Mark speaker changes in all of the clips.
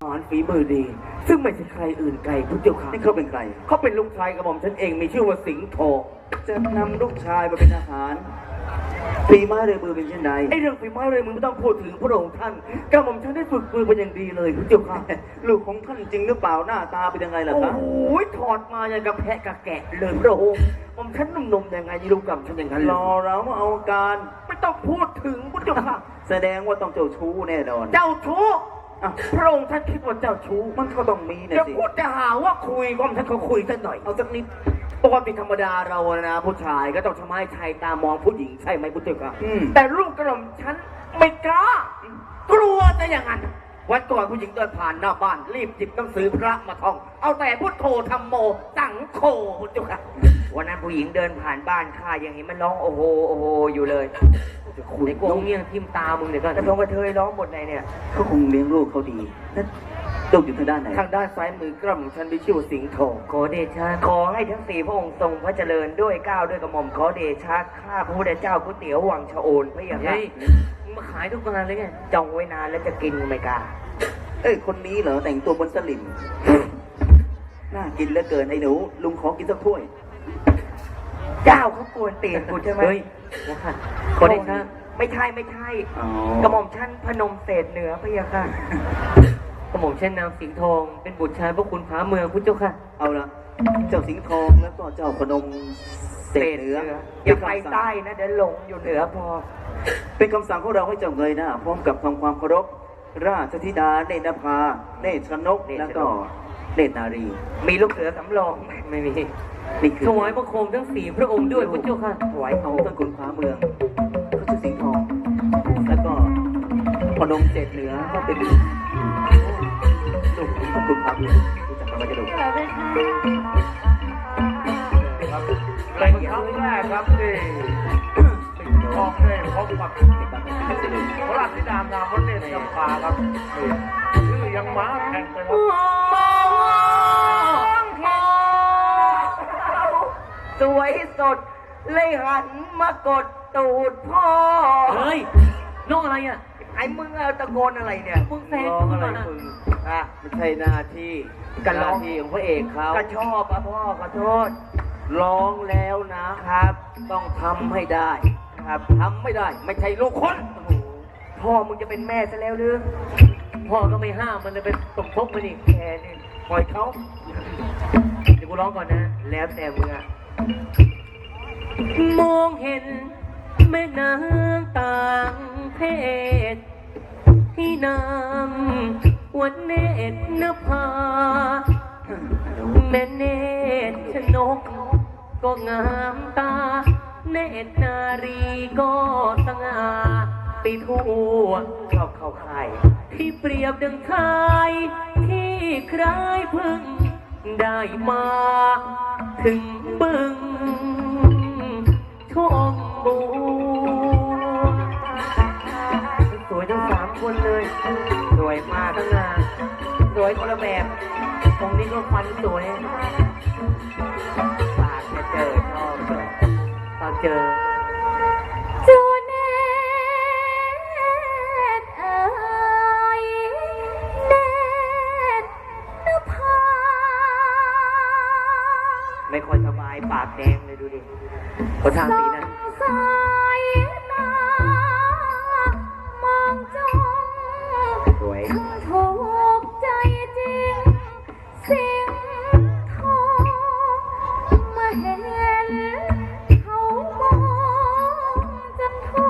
Speaker 1: ารฝีมือดีซึ่งไม่ใช่ใครอื่นไกลพุทธเจ้าค่ะ
Speaker 2: นี่เขาเป็นใคร
Speaker 1: เขาเป็นลูกชายกระหม่อมฉันเองมีชื่อว่าสิงห์ทอง
Speaker 2: จะนำลูกชายมาเป็นทหารฝีไม้ลายมือเป็นเช่นใด
Speaker 1: ไอ้เรื่องฝีไม้เลยมึงไม่ต้องพูดถึงพระองค์ท่านกระหม่อมฉันได้ฝึกมือเป็นอย่างดีเลยพุทธเจ้าค่ะ
Speaker 2: ลูกของท่านจริงหรือเปล่าหน้าตาเป็นยังไงล่ะครับ
Speaker 1: โอ้ยถอดมาอย่างกับแพะกับแกะเลยพระองค์ผมฉันหนุ่มๆยังไงลูกกับฉันอย่างนั้น
Speaker 2: ร
Speaker 1: เลย
Speaker 2: อเรามาเอาการ
Speaker 1: ไม่ต้องพูดถึงพุทธเจ้าค่ะ
Speaker 2: แสดงว่าต้องเจ้าชู้แน่นอน
Speaker 1: เจ้าชู้
Speaker 2: อ้าว
Speaker 1: พระองค์ท่านคิดว่าเจ้าชู้
Speaker 2: มันก็ต้องมีนะ
Speaker 1: จะ
Speaker 2: สิ
Speaker 1: พูดจะหาว่าคุยก็ท่านเขาคุยสักหน่อย
Speaker 2: เอาสักนิด
Speaker 1: ปกติธรรมดาเรานะผู้ชายก็ต้องทำให้ชายตามองผู้หญิงใช่ไหมพุทธเจ้าค่ะ
Speaker 2: อืม
Speaker 1: แต่ลูกกระหม่อมฉันไม่กล้ากลัวจะอย่างนั้นวันก่อนผู้หญิงเดินผ่านหน้าบ้านรีบหยิบหนังสือพระมาท่องเอาแต่พุทโธธรรมโมสังโฆพุทธเจ้าค่ะ
Speaker 3: วันนั้นผู้หญิงเดินผ่านบ้านข้าอย่างนี้มันร้องโอ้โหโอ้โหอยู่เลยไอ้กวงเงี้ยงทิ่มตามึงเดี๋ยวก่อนกระทงกระเทยร้องหมดเลยเนี่ย
Speaker 2: เขาคงเลี้ยงลูกเขาดีนั่นลูกอยู่ทางด้านไหน
Speaker 1: ทางด้านซ้ายมือกระหม่อมฉันมีชื่อว่าสิงห์ทอง
Speaker 3: ขอเดชะขอให้ทั้งสี่พระองค์ทรงพระเจริญด้วยเกล้าด้วยกระหม่อมขอเดชะข้าพระพุทธเจ้าก๋วยเตี๋ยววังชะโอนพระยาค่ะมึงมาขายทุกงานเลยไงจองไว้นานแล้วจะกินไม่กล้า
Speaker 2: เอ้ยคนนี้เหรอแต่งตัวบนสลิมน่ากินเหลือเกินไอ้หนูลุงขอกินสักถ้วย
Speaker 3: เจ้าเขากวนตีนกูใช่ไหม
Speaker 1: เฮ้ย
Speaker 3: นะคะขอเดชะไม่ใช่ไม่ใช่
Speaker 2: อ๋อ
Speaker 3: กระหม่อมชั้นพนมเศษเหนือพระยาค่ะกระหม่อมชั้นนางสิงห์ทองเป็นบุตรชายพระคุณพระเมืองพุทธเจ้าค่ะ
Speaker 2: เอาละเจ้าสิงห์ทองแล้วก็เจ้าพนมเศษเหนือ
Speaker 3: อย่าไปใต้นะเดี๋ยวหลงอยู่เหนือพอ
Speaker 2: เป็นคำสั่งของเราให้เจ้าเงยหน้าพร้อมกับทำความเคารพราชธิดาเนตรภาเนตรชนกแล้วก็เนตรนารี
Speaker 3: มีลูกเสือสำรองไหมไม่มี
Speaker 2: นี่คือ
Speaker 3: ถวายบังคมทั้งสี่พระองค์ด้วยพุทธเจ้าค่ะถวาย
Speaker 2: เอาต้นขุนฟ้าเมืองเขาชื่อสิงห์ทอง แล้วก็พนมเศษเหนือก็เป็นลูกของขุนฟ้าเมืองรู้จักกันไหมจะดู
Speaker 1: เป็นครั้งแรกครับที่สิงห์ทองได้พบกับพระราชธิดานามว่าเนตรจำปาครับชื่อยังม้าแข่งไปครับ
Speaker 3: สวยสดเลยหันมากดตูดพ่อ
Speaker 1: เฮ้ยน้องอะไรอ่ะ
Speaker 3: ไอ้มึงเอาตะโกนอะไรเนี่ยมึงแซง
Speaker 1: ร้องอะไรมึง
Speaker 3: อ่ะ
Speaker 1: ไม่ใช่หน้าที่
Speaker 3: การร้อง
Speaker 1: หน้าที่ของพระเอกเขา
Speaker 3: ก็ชอบอ่ะพ่อขอโทษ
Speaker 1: ร้องแล้วนะครับ ต้องทำให้ได้ครับทำไม่ได้ไม่ใช่ลูกคน
Speaker 3: พ่อมึงจะเป็นแม่ซะแล้วหรือ
Speaker 1: พ่อก็ไม่ห้ามมันจะเป็นสมทบมันอีก
Speaker 3: แกนี่
Speaker 1: ปล่อยเขา
Speaker 3: เดี๋ยวกูร้องก่อนนะ แล้วแต่มึงอะมองเห็นแม่นางต่างเพศ ที่นำวันเนตรนภาแม่เนตรชนก ก็งามตา เนตรนารีก็สง่าไปทั่วเข้าค่ายที่เปรียบดังชายที่ใครพึ่งได้มาถึงบึงชมบูสวยทั้งสามคนเลย สวยมากทั้งงานสวยคนละแบบตรงนี้ก็ฟันสวยปากจะเจอชอบเลยตอนเจอจูเนตเอ๋ยเนตนภาไม่ค่อยสบายปากแดงเลยดูดิคนทางสีนั้นสายตามองจ้องสวยถูกใจจริงสิงทองมาเห็นเขามองจนทั่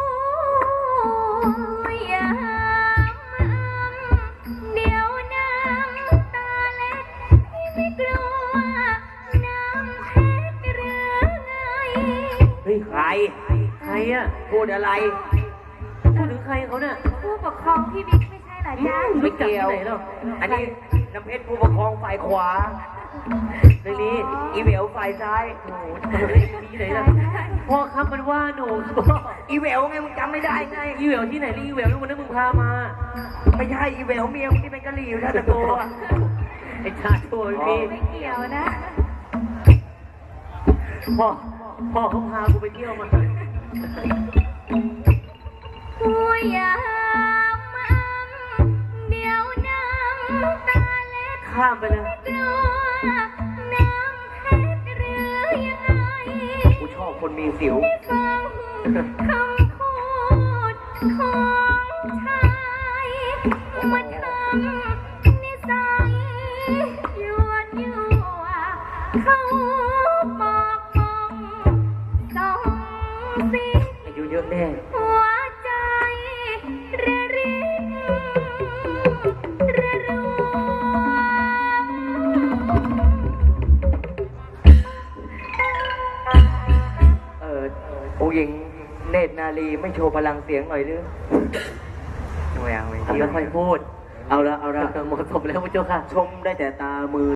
Speaker 3: วยามเดี๋ยวน้ำตาเล็ดที่ไม่กลัวน้ำเพชรหรือไงเฮ้ยใครอ่ะพูดอะไรพูดถึงใครเขาเนี่ย
Speaker 4: ผู้ปกครองพี่บิ๊กไม่ใช่เหรอจ๊ะ
Speaker 3: ไม่เกี่ยวอันนี้น้ำเพชรผู้ปกครองฝ่ายขวาในนี้อีเวลฝ่ายซ้ายโอ้โหที่ไหนล่ะพ่อครับมันว่าหนูอีเวลไงมึงจำไม่ได้ไงอีเวลที่ไหนนี่อีเวลที่วันนั้นมึงพามา ไม่ใช่อีเวลเมียมึงที่เป็นกะหรี่อยู่ท่าตะโกไอ้ชาตัวพี่
Speaker 4: ไม่เกี่ยวนะ
Speaker 3: พ่อเขาพากูไปเที่ยวมา
Speaker 4: ผู้ยามเดี๋ยวน้
Speaker 3: ข้ามไปเลย
Speaker 4: กลัวน้ำเพชรหรือยังไง
Speaker 3: กูชอบคนมีสิว
Speaker 4: ฟังคำพูดของชายมาทำนิสัยยั่วเขาบอกมองส่องสิ
Speaker 3: อายุเยอะแน่
Speaker 4: หัวใจระริกระรัว
Speaker 3: องค์หญิงเนตรนารีไม่โชว์พลังเสียงหน่อยหรือไม่เอาไม่ค่อยพูด
Speaker 2: เอาละ
Speaker 3: เหมาะสมแล้วพระเจ้าค่ะ
Speaker 2: ชมได้แต่ตามือ